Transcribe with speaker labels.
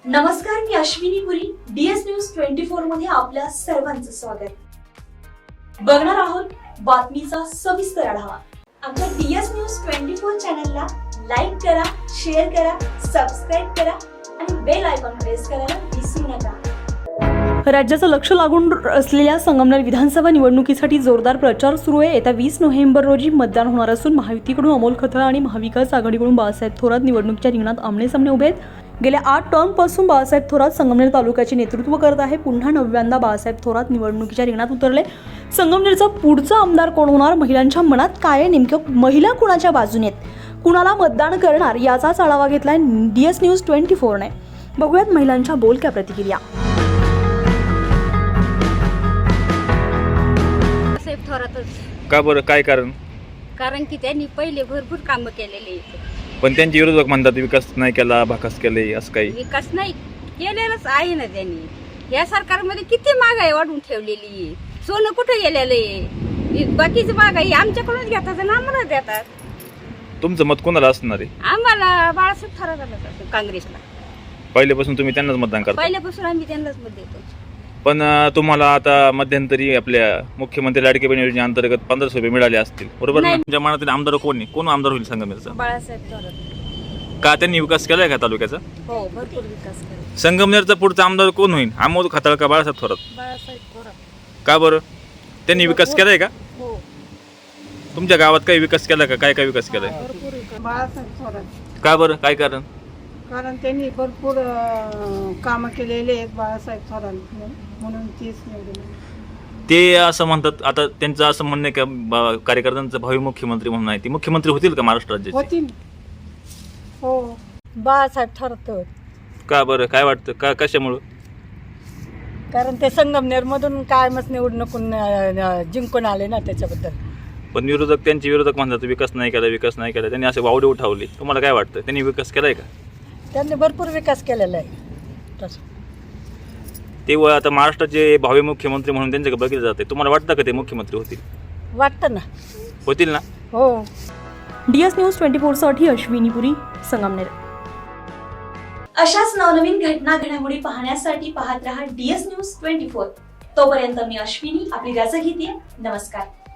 Speaker 1: नमस्कार, मी Ashwini Puri. DS news 24 मध्ये आपल्या सर्वांचं स्वागत. बघणार आहोत बातमीचा सविस्तर आढावा. आमच्या DS न्यूज 24 चॅनलला लाईक करा, शेअर करा, सबस्क्राईब करा आणि बेल आयकॉन प्रेस करायला विसरू नका.
Speaker 2: राज्याचं लक्ष लागून असलेल्या संगमनेर विधानसभा निवडणुकीसाठी जोरदार प्रचार सुरू आहे. येत्या 20 नोव्हेंबर रोजी मतदान होणार असून महायुतीकडून अमोल खताळ आणि महाविकास आघाडीकडून बाळासाहेब थोरात निवडणुकीच्या रिंगणात आमनेसामने उभे आहेत. गेल्या 8 टर्मपासून बाळासाहेब थोरात संगमनेर तालुक्याचे नेतृत्व करत आहे. पुन्हा 9व्यांदा बाळासाहेब थोरात निवडणुकीच्या रिंगणात उतरले. संगमनेरचा पुढचा आमदार कोण होणार, महिलांच्या मनात काय आहे, नेमकं महिला कुणाच्या बाजूने आहेत, कुणाला मतदान करणार, याचाच आढावा घेतलाय DS न्यूज 24 ने. बघूयात महिलांच्या बोलक्या प्रतिक्रिया.
Speaker 3: का बरं, काय कारण?
Speaker 4: कारण की त्यांनी पहिले भरपूर कामं केलेले आहेत.
Speaker 3: पण त्यांचे विरोधक म्हणतात विकास नाही केला, भाकास केले, असं काही.
Speaker 4: विकास नाही केलेलाच आहे ना त्यांनी. या सरकारमध्ये किती महागाई वाढवून ठेवलेली आहे. सोनं कुठं गेलेलं आहे. बाकीची महागाई आमच्याकडूनच घेतात आणि आम्हाला देतात.
Speaker 3: तुमचं मत कोणाला असणार आहे?
Speaker 4: आम्हाला बाळासाहेब थोरात काँग्रेसला.
Speaker 3: पहिल्यापासून तुम्ही त्यांनाच मतदान करता?
Speaker 4: पहिल्यापासून आम्ही त्यांनाच मत देतो.
Speaker 3: पण तुम्हाला आता मध्यंतरी आपल्या मुख्यमंत्री लाडके बहीण योजनेअंतर्गत 1500 रुपये मिळाले असतील, बरोबर ना? तुमच्या मनातील आमदार कोण आहे? कोण आमदार होईल संगमनेरचा?
Speaker 4: बाळासाहेब थोरात.
Speaker 3: का त्यांनी विकास केलाय का तालुक्याचा?
Speaker 4: हो, भरपूर विकास केला.
Speaker 3: संगमनेरचा पुढचा आमदार कोण होईल? अमोल खताळ का बाळासाहेब थोरात?
Speaker 4: बाळासाहेब थोरात.
Speaker 3: का बरं? त्यांनी विकास केलाय का?
Speaker 4: हो,
Speaker 3: तुमच्या गावात काही विकास केला का? काय काय विकास केलाय?
Speaker 4: भरपूर विकास.
Speaker 5: बाळासाहेब थोरात.
Speaker 3: का बरं, काय कारण?
Speaker 5: कारण त्यांनी भरपूर कामं केलेले आहेत बाळासाहेब थोरात, म्हणून तीच निवडून.
Speaker 3: ते असं म्हणतात, आता त्यांचं असं म्हणणं आहे का कार्यकर्त्यांचं भावी मुख्यमंत्री म्हणून आहे, ते मुख्यमंत्री होतील का महाराष्ट्र राज्याचे?
Speaker 5: होती. हो,
Speaker 6: बाळासाहेब थोरात.
Speaker 3: का बरं, काय वाटतं, का कशामुळं?
Speaker 6: कारण ते संगमनेरमधून कायमच निवडणुकून जिंकून आले ना, त्याच्याबद्दल.
Speaker 3: पण विरोधक, त्यांचे विरोधक म्हणतात विकास नाही केला, विकास नाही केला. त्यांनी असे वावडे उठावले. तुम्हाला काय वाटतं, त्यांनी विकास केलाय का?
Speaker 6: त्यांनी भरपूर विकास केलेला आहे तसं.
Speaker 3: ते आता महाराष्ट्राचे भावी मुख्यमंत्री म्हणून त्यांच्याकडे बघितलं जाते. तुम्हाला वाटतं का ते मुख्यमंत्री होतील?
Speaker 6: वाटतं ना.
Speaker 3: होतील ना?
Speaker 6: हो.
Speaker 2: DS न्यूज 24 साठी अश्विनी पुरी, संगमनेर.
Speaker 1: अशाच नवनवीन घडामोडी पाहण्यासाठी पाहत रहा DS न्यूज 24. तोपर्यंत मी अश्विनी आपली रजा घेते. नमस्कार.